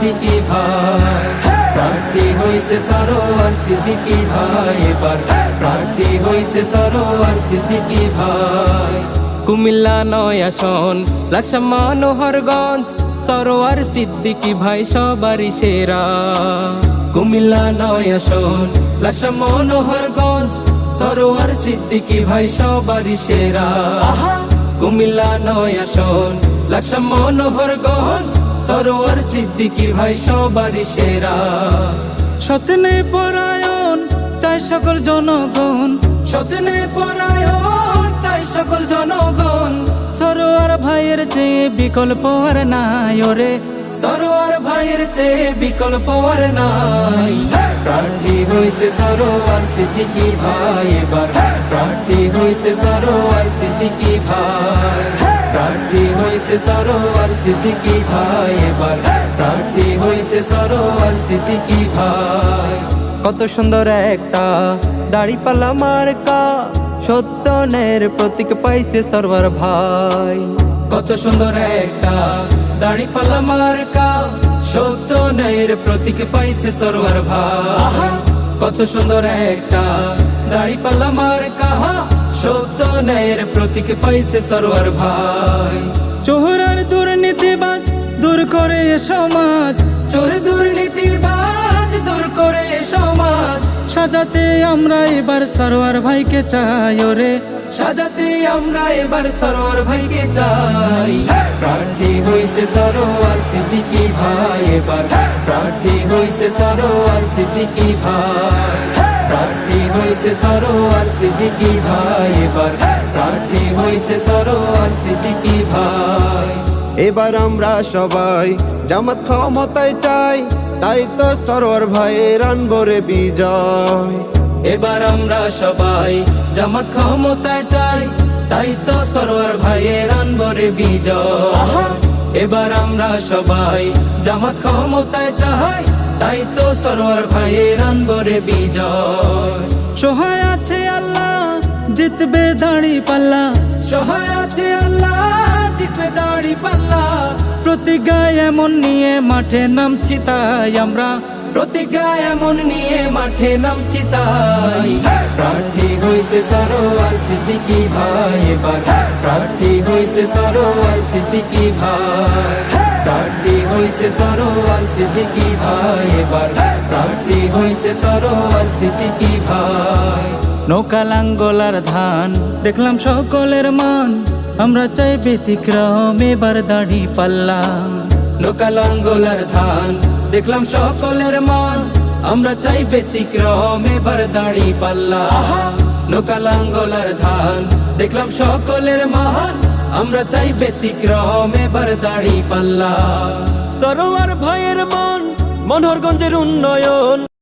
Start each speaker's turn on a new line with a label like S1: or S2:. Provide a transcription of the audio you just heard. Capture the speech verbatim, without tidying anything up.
S1: সিদ্দিকী ভাই। প্রার্থী হইছে সরোয়ার সিদ্দিকী ভাই, এবার প্রার্থী হইছে সরোয়ার সিদ্দিকী ভাই। কুমিল্লা নয় আসন লাকসাম মনোহরগঞ্জ, সরোয়ার সিদ্দিকী ভাই সবারই সেরা। কুমিল্লা নয় আসন লাকসাম মনোহরগঞ্জ, সরোয়ার সিদ্দিকী ভাই সবারই সেরা। কুমিল্লা নয় আসন লাকসাম মনোহরগঞ্জ, সরোয়ার সিদ্দিকী ভাই সবারই সেরা।
S2: সতনে পরায়ণ চাই সকল জনগণ,
S1: সতনে পরায়ণ চাই সকল জনগণ,
S2: সরোয়ার ভাইয়ের চেয়ে বিকল্প আর নাই ওরে,
S1: সরোয়ার ভাইয়ের চেয়ে বিকল্প আর নাই। প্রার্থী হইছে সরোয়ার সিদ্দিকী ভাই, এবার প্রার্থী হইছে সরোয়ার সিদ্দিকী ভাই। প্রার্থী হইছে সরোয়ার সিদ্দিকী ভাই, এবার প্রার্থী হইছে সরোয়ার সিদ্দিকী ভাই।
S2: কত সুন্দর একটা দাড়িপাল্লা মার্কা, সত্যনের প্রতীক পাইছে সরোয়ার ভাই।
S1: কত সুন্দর একটা দাড়িপাল্লা মার্কা, সত্য ন্যায়ের প্রতীক পাইছে সরোয়ার ভাই। কত সুন্দর একটা দাড়িপাল্লা মার্কা, সত্য ন্যায়ের প্রতীক পাইছে সরোয়ার ভাই।
S2: চোর আর দুর্নীতিবাজ দূর করে এ সমাজ,
S1: চোর দুর্নীতিবাজ দূর করে এ সমাজ,
S2: সাজাতে আমরা এবার সরোয়ার ভাইকে চাই ওরে,
S1: সাজাতে আমরা এবার সরোয়ার ভাইকে চাই। প্রার্থী হইছে সরোয়ার সিদ্দিকী ভাই, এবার প্রার্থী হইছে সরোয়ার সিদ্দিকী ভাই। প্রার্থী হইছে সরোয়ার সিদ্দিকী ভাই, এবার প্রার্থী হইছে সরোয়ার সিদ্দিকী ভাই।
S3: এবার আমরা সবাই জামাত ক্ষমতায় চাই, তাই তো সরোয়ার ভাইয়ের আনবরে বিজয়।
S1: এবার আমরা সবাই জামাত ক্ষমতায় চাই, তাই তো সরোয়ার ভাইয়ের আনবরে বিজয়। এবার আমরা সবাই জামাত ক্ষমতায় চাই, তাই তো সরোয়ার ভাইয়ের আনবরে বিজয়।
S2: সহায় আছে আল্লাহ জিতবে দাড়ি পাল্লা,
S1: সহায় আছে আল্লাহ জিতবে দাড়ি পাল্লা।
S2: প্রতিজ্ঞা এমন নিয়ে মাঠে নামছি তাই আমরা,
S1: প্রতিজ্ঞা এমন নিয়ে মাঠে নামছি তাই। প্রার্থী হইছে সরোয়ার সিদ্দিকী ভাই, এবার প্রার্থী হইছে সরোয়ার সিদ্দিকী ভাই। প্রার্থী হইছে সরোয়ার সিদ্দিকী ভাই, এবার প্রার্থী হইছে সরোয়ার সিদ্দিকী ভাই।
S2: নৌকা লাঙ্গলার ধান দেখলাম সকলের মান, আমরা চাই ব্যতিক্রম এবার দাড়ি পাল্লা।
S1: নৌকা লাঙ্গলার ধান দেখলাম সকলের মান, আমরা চাই ব্যতিক্রম এবার দাড়ি পাল্লা। নৌকা লাঙ্গলার ধান দেখলাম সকলের মান, আমরা চাই ব্যতিক্রম এবার দাড়ি পাল্লা।
S2: সরোয়ার ভাইয়ের মন মনোহরগঞ্জের উন্নয়ন।